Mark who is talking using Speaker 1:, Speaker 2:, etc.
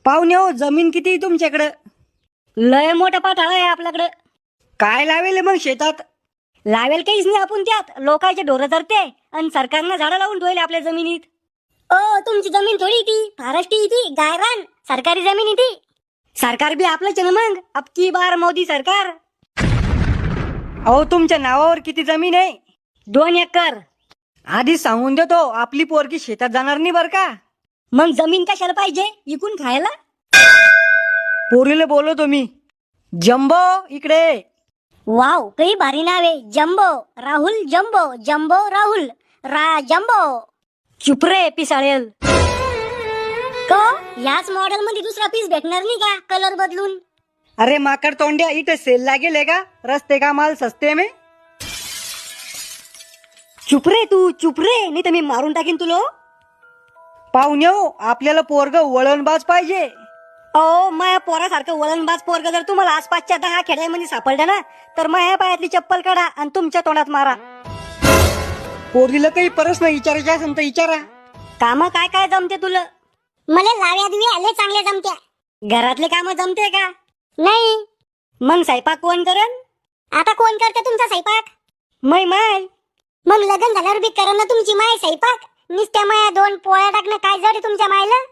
Speaker 1: पाहुणे हो, जमीन किती तुमच्याकडं?
Speaker 2: लय मोठा पाठाळा आहे आपल्याकडे.
Speaker 1: काय लावेल मग शेतात?
Speaker 2: लावेल काहीच नाही आपण त्यात. लोकांचे ढोरं धरते आणि सरकारनं झाडं लावून ठेवले आपल्या जमिनीत. ओ तुमची जमीन थोडी ती फारस्टी ती गायरान सरकारी जमीन ती. सरकार बी आपलंच आहे ना मग. अबकी बार मोदी सरकार.
Speaker 1: अहो तुमच्या नावावर किती जमीन आहे?
Speaker 2: 2 एकर.
Speaker 1: आधी सांगून देतो, आपली पोरगी शेतात जाणार नाही बर का.
Speaker 2: मग जमीन कशाला पाहिजे? इकून खायला.
Speaker 1: पोरीला बोलवतो मी. जम्बो इकडे.
Speaker 2: वाव काही भारी नाव आहे. Jumbo Rahul jumbo jumbo Rahul jumbo. चुप रे पिसाळेल. को याच मॉडेल मध्ये दुसरा पीस भेटणार नाही का कलर बदलून?
Speaker 1: अरे माकड तोंड्या, इथे सेल लागेल है का? रस्ते का माल सस्ते में.
Speaker 2: चुप रे तू, चुप रे, नाही तर मी मारून टाकीन तुला.
Speaker 1: पाहुणे हो, आपल्याला पोरग वळणबाज पाहिजे.
Speaker 2: ओ माया पोरासारखं वळणबाज पोरग जर तुम्हाला आसपासच्या 10 खेड्यामध्ये सापडलं ना, तर माया पायातली चप्पल काढा आणि तुमच्या तोंडात मारा.
Speaker 1: पोरीला काही प्रश्न विचारायचे असेल तर विचारा.
Speaker 2: काम काय काय जमते तुला? मला लाव्या दिवे आले चांगले जमते. घरातले काम जमते का? नाही. मग स्वयंपाक कोण करण? आता कोण करते तुमचा स्वयंपाक? माय. मग लग्न झाल्यावर बी करण ना तुमची माय स्वयंपाक. नुसत्या माया 2 पोळ्या टाकणं काय जड तुमच्या मायला?